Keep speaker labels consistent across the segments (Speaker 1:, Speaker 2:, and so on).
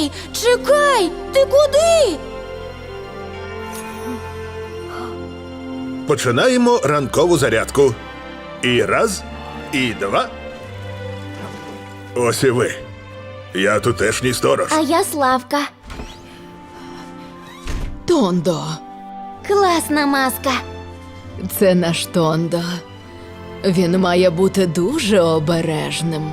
Speaker 1: Чекай! Ти куди?
Speaker 2: Починаємо ранкову зарядку. І раз, і два. Ось і ви. Я тутешній сторож.
Speaker 1: А я Славка.
Speaker 3: Тондо.
Speaker 1: Класна маска.
Speaker 3: Це наш Тондо. Він має бути дуже обережним.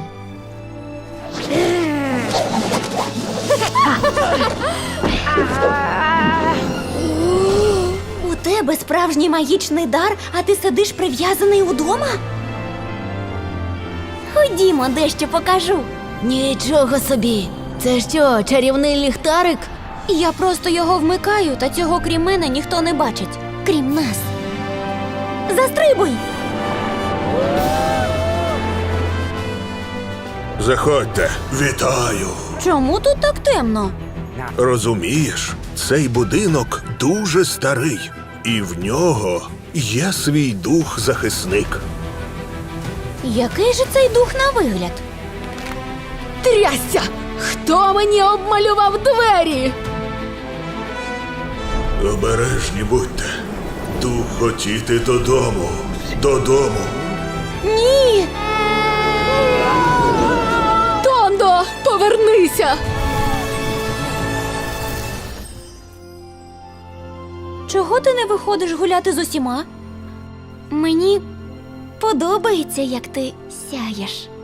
Speaker 1: У тебе справжній магічний дар, а ти сидиш прив'язаний удома? Ходімо, дещо покажу.
Speaker 3: Нічого собі. Це що, чарівний ліхтарик?
Speaker 1: Я просто його вмикаю, та цього крім мене ніхто не бачить. Крім нас. Застрибуй!
Speaker 2: Заходьте. Вітаю.
Speaker 1: Чому тут так темно?
Speaker 2: Розумієш, цей будинок дуже старий. І в нього є свій дух-захисник.
Speaker 1: Який же цей дух на вигляд?
Speaker 3: Трясся! Хто мені обмалював двері?
Speaker 2: Обережні будьте. Дух хотіти додому. Додому.
Speaker 1: Ні!
Speaker 3: Тондо, повернися!
Speaker 1: Чого ти не виходиш гуляти з усіма? Мені подобається, як ти сяєш.